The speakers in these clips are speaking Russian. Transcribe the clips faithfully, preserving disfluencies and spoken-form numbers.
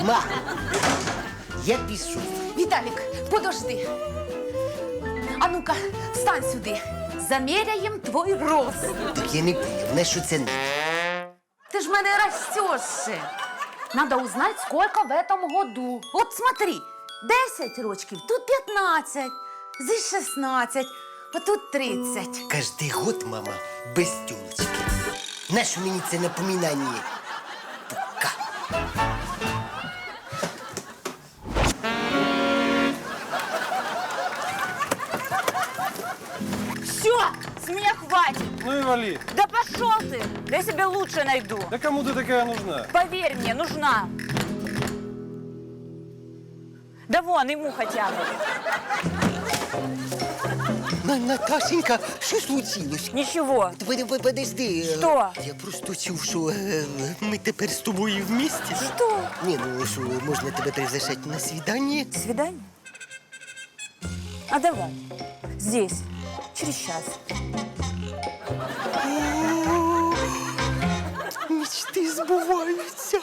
Ма, я пішов. Віталік, подожди. А ну-ка, встань сюди. Заміряємо твій рост. Так я не понял, на що це надо? Ты ж мене растешь. Надо узнать, сколько в этом году. Вот смотри, десять рочків, тут п'ятнадцять, здесь шістнадцять, а тут тридцять. Кожний год, мама, без тілочки. Нащо мені це напоминання? Пока. Все, с меня хватит. Ну и вали. Да пошел ты. Я себе лучше найду. Да кому ты такая нужна? Поверь мне, нужна. Да вон, ему хотя бы. На, Наташенька, що случилось? Ничего. Под- под- Подожди. Що? Я просто чув, що е, ми тепер з тобою вместе. Что? Ні, ну що, можна тебе приглашати на свидання? Свидание? А давай. Здесь. Через час. Мечти збуваються.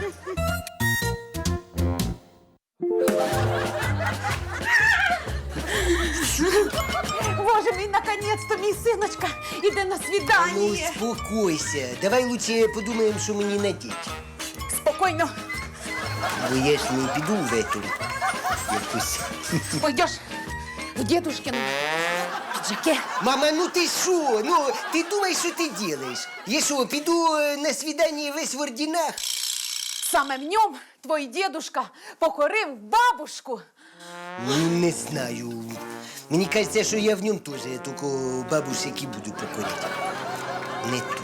Боже мій, наконец-то мій синочка іде на Ну, свидання. успокойся. Давай лучше подумаємо, що мені надіти. Спокійно. Бо я ж не піду в эту якусь. Пойдеш в дедушкину піджаке. Мама, ну ти що? Ну, ти думаєш, що ти робиш? Я що, піду е, на свидання весь в орденах? Саме в ньому твій дедушка покорив бабушку. Ну, не знаю. Мені кажеться, що я в ньому теж тільки бабушек і буду покоряти. Не то.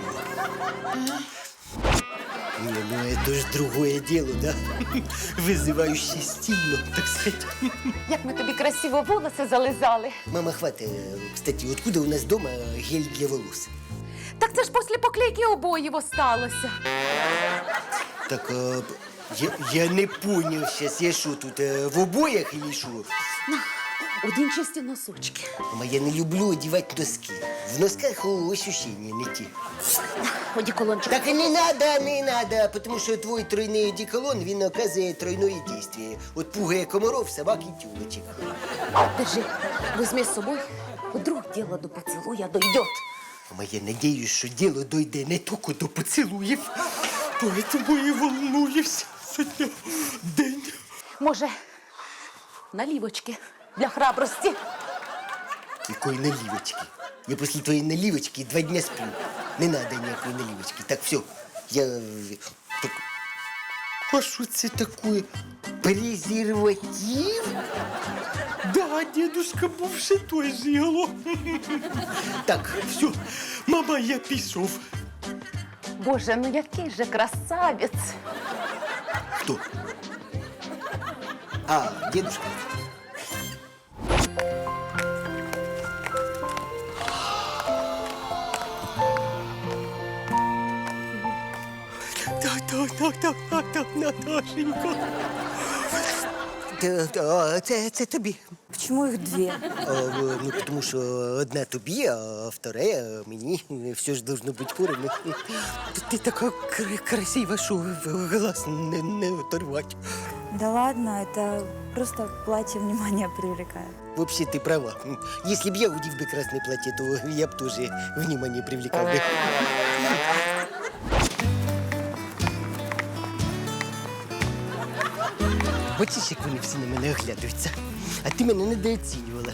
Не, ну это ж другое дело, да? Вызывающе стильно, так сказать. Як ми тобі красиво волоси зализали. Мама, хватит. Кстати, откуда у нас дома гель для волос? Так це ж після поклейки обоїв осталося. Так, а, я, я не понял сейчас, я что тут, а, в обоях или что? Один чисті носочки. Мама, я не люблю одевать носки. В носках о, ощущения не те. Одеколончик. Так и не надо, не надо, потому что твой тройный одеколон, він оказує тройное действие. От пугає комаров, собак и тюлочек. Держи, возьми з собою. Вдруг діло до поцілуя дойдет. Мама, я надеюсь, что дело дойде не только до поцелуев, поэтому и волнуюсь за день. Може, налівочки для храбрості. Какой наливочки? Я после твоей наливочки два дня сплю. Не надо никакой наливочки. Так, все, я... э, Так... А что это такое? Презерватив? Да, дедушка бывший той жил. Так, все, мама, я пішов. Боже, ну який же красавець. Кто? А, дедушка. Так, так, так, так, так, так, Наташенька. Та- та, Це, це тобі. Почему их две? А, в- ну, тому що одна тобі, а вторая мені. Все ж должно бути поровну. Ти така кр- красива, що глаз не, не оторвать. Да ладно, это просто платье внимание привлекает. Вообще ты права. Если б я удив бы красное платье, то я б тоже внимание привлекал бы. Бачиш, як вони всі на мене оглядаються. А ти мене недооцінювала.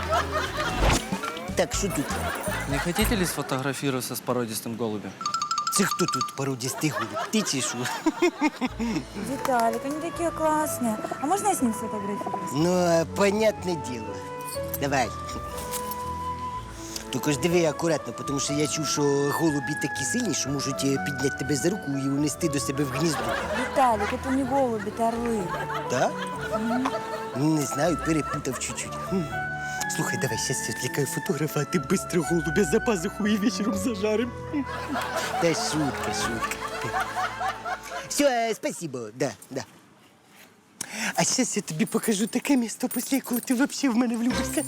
Так, що тут? Не хотите ли сфотографироваться с породистым голубем? Це хто тут породистий голуб? Ти чи що? Виталик, они такие классные. А можно я с ним сфотографируюсь? Ну, а, понятне діло. Давай. Тільки ж диви акуратно, тому що я чув, що голуби такі сильні, що можуть е, підняти тебе за руку і унести до себе в гніздо. Виталик, это не голуби, это орлы. Да? Ну, не знаю, перепутав чуть-чуть. Хм. Слухай, давай, сейчас я отвлекаю фотографа, а ты быстро голубя за пазуху и вечером зажарим. Да шутка, шутка. Все, спасибо, да, да. А сейчас я тобі покажу таке місто, після якого ти вообще в мене влюбишся.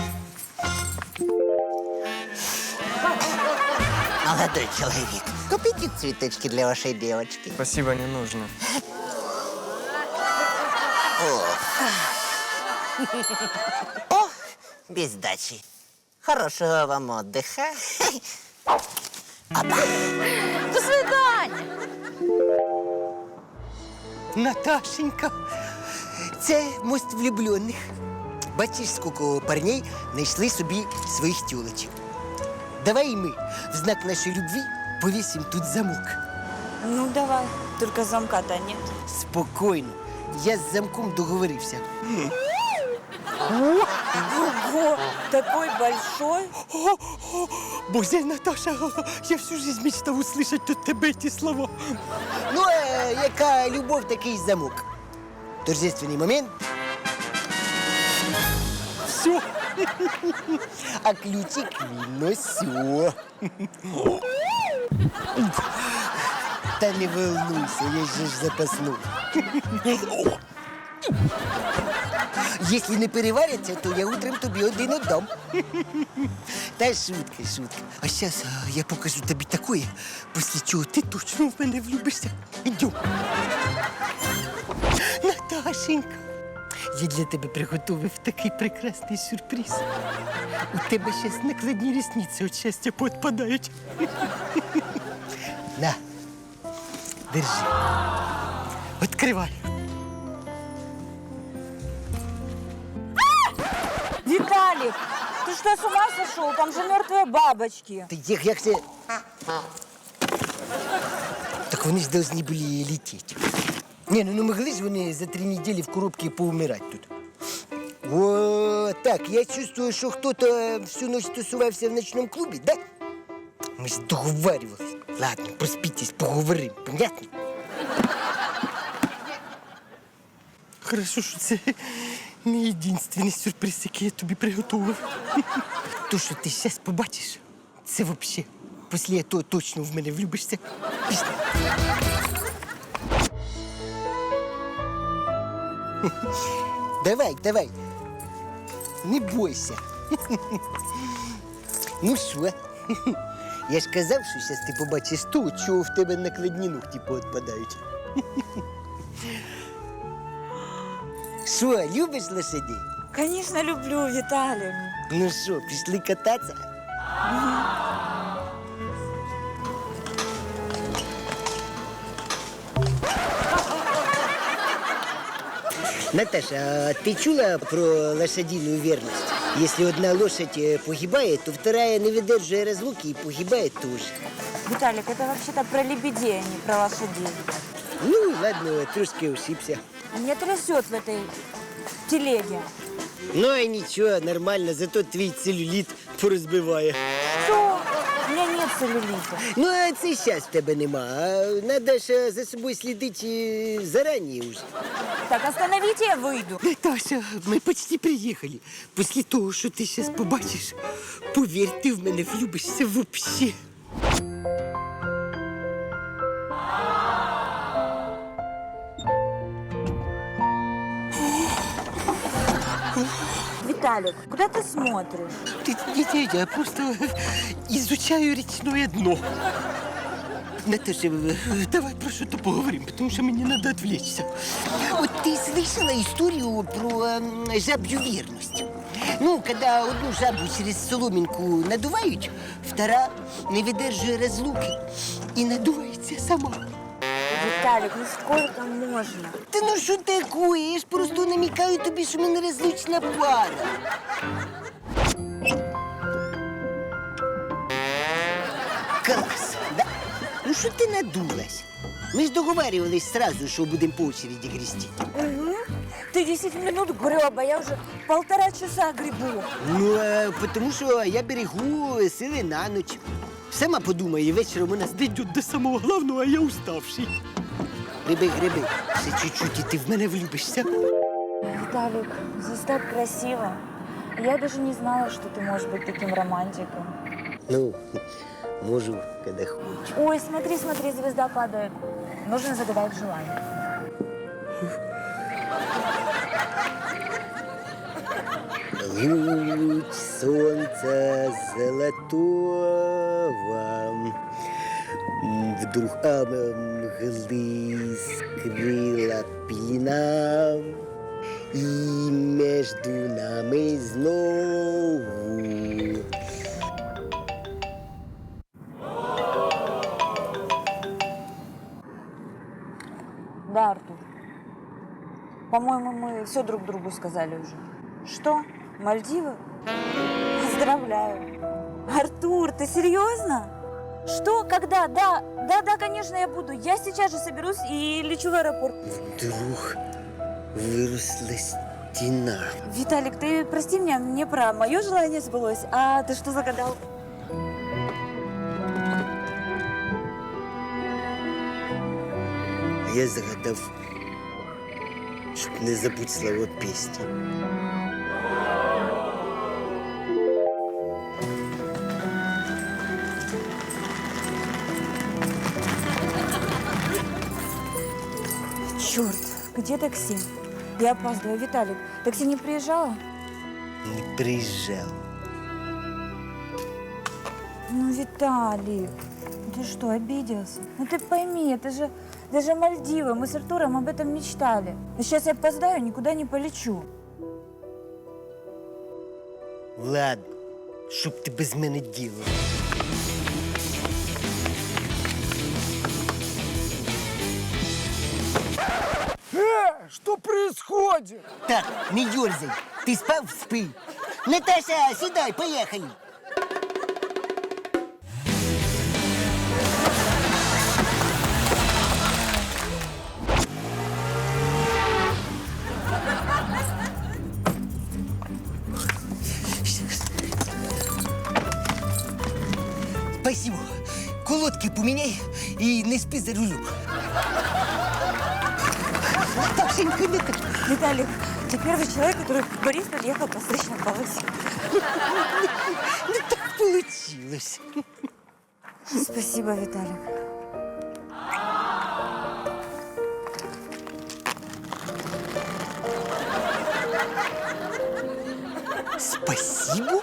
Молодой человек, купите цветочки для вашей девочки. Спасибо, не нужно. О, без дачи. Хорошего вам отдыха. До свидання! Наташенька, це мост влюблених. Бачиш, скільки парней знайшли собі своїх тілочок. Давай і ми в знак нашої любві повісимо тут замок. Ну, давай. Только замка-то нет. Спокійно. Я з замком договорився. Ого, такой большой. Боже, Наташа, я всю жизнь мечтав услышать от тебе ті слова. Ну, а яка любов, такий замок. Торжественний момент. Все. А ключик він все. Та не волнуйся, я же ж запасну. Якщо не переваряться, то я утром тобі один отдам. Та шутка, шутка. А зараз я покажу тобі таке, після чого ти точно в мене влюбишся. Ідем. Наташенька, я для тебе приготував такий прекрасний сюрприз. У тебе зараз накладні рісниці від щастя поотпадають. На, держи. Відкривай. Виталик, ты что, с ума сошел? Там же мертвые бабочки. Та як, як це? Так вони ж повинні були летіти. Ні, ну не могли ж вони за три недели в коробці поумирати тут. О, так, я чувствую, що хтось всю ночь тусувався в ночному клубі, да? Ми ж договарювалися. Ладно, проспитесь, поговоримо, понятно? Хорошо, що це не єдиний сюрприз, який я тобі приготував. То, що ти зараз побачиш, це взагалі. Після того точно в мене влюбишся. Пішли. Давай, давай. Не бойся. Ну що? Я ж казав, що зараз ти побачиш то, чого в тебе накладні ногті поотпадають. Що, любиш лошадей? Конечно, люблю, Виталик. Ну що, пішли кататися? Наташа, а ты чула про лошадиную верность? Если одна лошадь э, погибает, то вторая, не выдерживая разлуки, и погибает тоже. Виталик, это вообще-то про лебедей, а не про лошадей. Ну, ладно, трошки ошибся. А меня трясет в этой телеге. Ну, и ничего, нормально, зато твій целлюлит порозбиває. Что? У меня нет целлюлита. Ну, а це зараз в тебе нема. А надо ж за собою слідити зарані уже. Так, остановите, я выйду. Наташа, ми почти приїхали. Після того, що ти зараз побачиш, повір, ти в мене влюбишся вообще. Виталик, куда ты смотришь? Ты, не, не, я просто изучаю речное дно. Наташа, давай про что-то поговорим, потому что мне надо отвлечься. Вот ты слышала историю про э, жабью верность? Ну, когда одну жабу через соломинку надувают, вторая не выдерживает разлуки и надувается сама. Виталик, ну сколько можно? Та ну що такое? Я ж просто намікаю тобі, що ми нерозлучна пара. Клас, да? Ну що ти надулась? Ми ж договарювались сразу, що будемо по очереді грести. Угу. Ты десять минут греб, а я уже полтора часа гребу. Ну, а, тому що я берегу сили на ніч. Сама подумай, вечором у нас дійдуть до самого головного, а я уставший. Гриби, гриби, ще чуть-чуть, і ти в мене влюбишся. Виталик, здесь так красиво. Я даже не знала, что ты можешь быть таким романтиком. Ну, можу, когда хочу. Ой, смотри, смотри, звезда падает. Нужно загадать желание. Луч солнца золотого вдруг омглы скрыла пелена. І між нами знову. Да, Артур. По-моему, мы все друг другу сказали уже. Что? Мальдивы? Поздравляю. Артур, ты серьезно? Что? Когда? Да, да, да, конечно, я буду. Я сейчас же соберусь и лечу в аэропорт. Вдруг виросла стіна. Виталик, ты прости меня, мне про мое желание сбылось. А ты что загадал? А я загадав, щоб не забудь слова пісні. Черт, где такси? Я опаздываю. Виталик, такси не приезжало? Не приїжджав. Ну, Виталик, ты что, обиделся? Ну ты пойми, это же даже Мальдивы. Мы с Артуром об этом мечтали. Но сейчас я опоздаю, никуда не полечу. Ладно, щоб ти без мене діло. Что происходит? Так, не дерзай. Ти спав, спи. Наташа, сідай, поїхали. Спасибо. Колодки поміняй і не спи за рулем. Наташенька, Наташа. Виталик, ты первый человек, который Борис подъехал по встречной полосе. Ну так получилось. Спасибо, Виталик. Спасибо?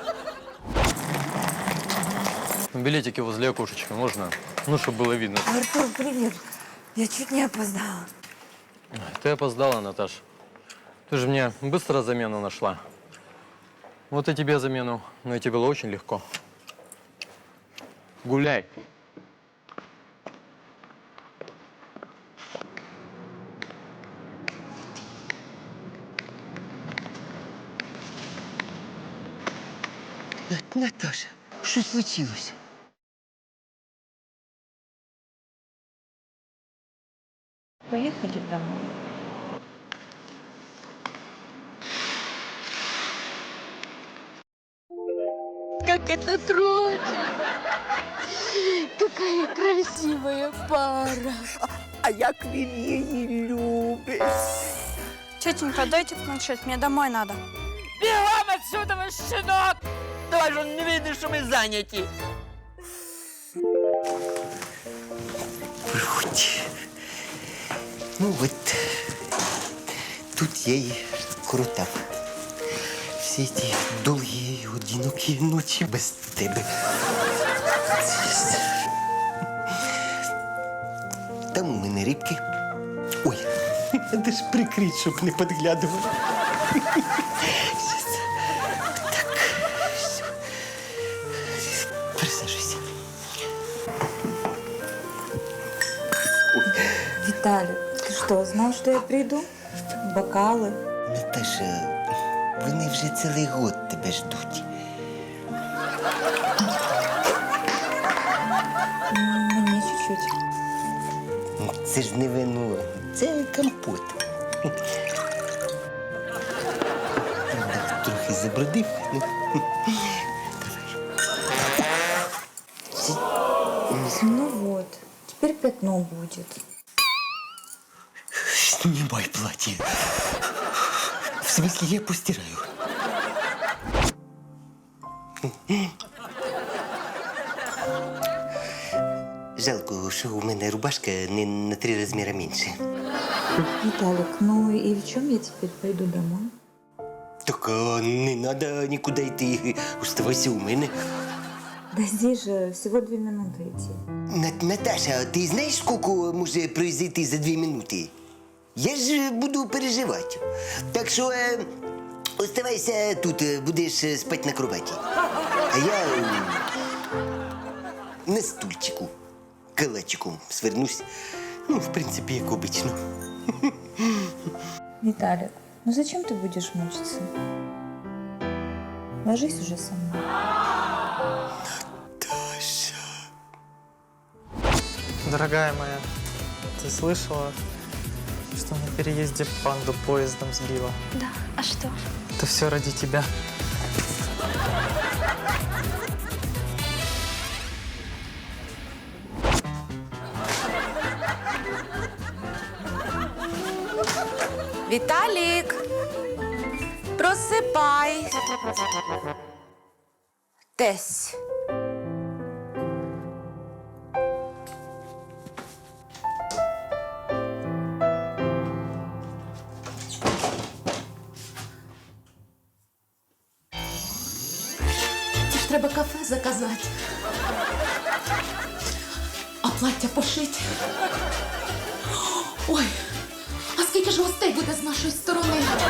Билетики возле окошечка можно? Ну, чтобы было видно. Артур, привет. Я чуть не опоздала. Ты опоздала, Наташ. Ты же мне быстро замену нашла. Вот и тебе замену найти было очень легко. Гуляй. Наташа, що случилось? Поехали домой. Как это трогательно! Какая красивая пара! А як він її любить? Тетенька, дайте планшет, мне домой надо. Бігом отсюда, ваш щенок! Давай же он не видно, що ми зайняті. Вроді. Ну от, тут я і крутав. Всі ті довгі, одинокі ночі без тебе. Там у мене рибки. Ой, треба ж прикрити, щоб не підглядували. Щас. Так, все. Присажуйся. Виталик, ты что, знал, что я приду? Бокалы. Наташа, вони вже цілий год тебе ждуть. Мне чуть-чуть. Це ж не вино, це компот. Так, трохи забрудив. Ну, Ну вот, теперь пятно будет. Снимай платье. В смысле, я постираю. Жалко, що у мене рубашка не на три розміри менше. Виталик, ну и в чем я теперь пойду домой? Так а, не треба нікуди йти. Оставайся у мене. Да здесь же всего две минуты идти. На- Наташа, ти знаєш, скільки може произойти за дві минути? Я ж буду переживати. Так що е, оставайся тут, е, будеш е, спати на кроваті. А я е, на стульчику, калачиком свернусь. Ну, в принципі, як обично. Виталик, ну зачем ты будешь мучиться? Ложись уже со мной. Дорогая моя, ты слышала, что на переезде панду поездом сбила? Да, а что? Это все ради тебя. Віталік, просипай. Тесь. Це ж треба кафе заказати. А плаття пошити. Ой, а скільки ж гостей буде з нашої сторони?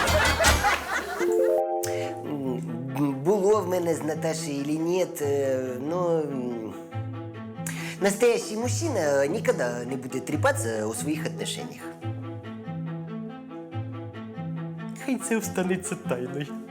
Було в мене з Наташей или нет, е, но м, настоящий мужчина никогда не буде трепаться о своїх отношениях. Хай це останеться тайною.